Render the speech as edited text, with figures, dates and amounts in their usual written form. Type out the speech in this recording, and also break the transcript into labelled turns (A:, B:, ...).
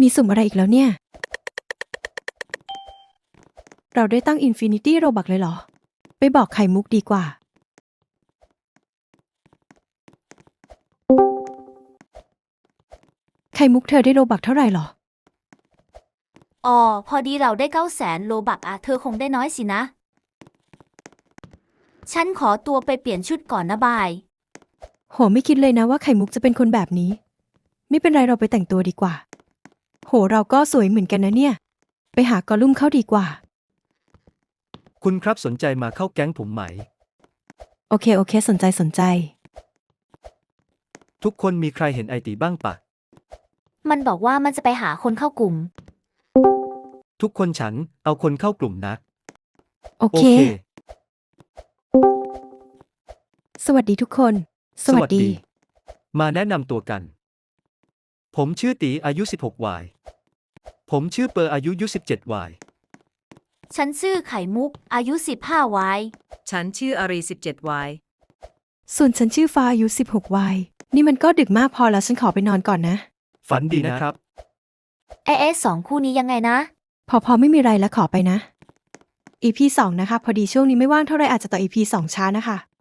A: มีสุ่มอะไรอีกแล้วเนี่ยเราได้ตั้ง Infinity Robux เลยเหรอไปบอกไข่มุกดีกว่าไข่มุกเธอได้โรบักเท่าไหร่หรอ
B: อ๋อพอดีเราได้900,000 โลบักอะเธอคงได้น้อยสินะ ฉันขอตัวไปเปลี่ยนชุดก่อนนะบาย
A: โหไม่คิดเลยนะว่าไข่มุกจะเป็นคนแบบนี้ไม่เป็นไรเราไปแต่งตัวดีกว่าโหเราก็สวยเหมือนกันนะเนี่ยไปหากอลุ่มเข้าดีกว่า
C: คุณครับสนใจมาเข้าแก๊งผมไหม
A: โอเคสนใจ
C: ทุกคนมีใครเห็นไอตีบ้างปะ
B: มันบอกว่ามันจะไปหาคนเข้ากลุ่ม
C: ทุกคนฉันเอาคนเข้ากลุ่มนะ
A: โอเคสวัสดีทุกคนสวัสดี
C: มาแนะนำตัวกัน ผมชื่อตีอายุ16 วาย ผมชื่อเปอร์อายุ17 วาย
B: ฉันชื่อไข่มุกอายุ15ไว้
D: ฉันชื่ออารี17 วาย
A: ส่วนฉันชื่อฟ้าอายุ16 วัยนี่มันก็ดึกมากพอแล้วฉันขอไปนอนก่อนนะ
C: ฝันดีนะครับ
B: สองคู่นี้ยังไงนะ
A: พอไม่มีไรแล้วขอไปนะ EP 2นะคะพอดีช่วงนี้ไม่ว่างเท่าไรอาจจะต่อ EP 2ช้านะคะ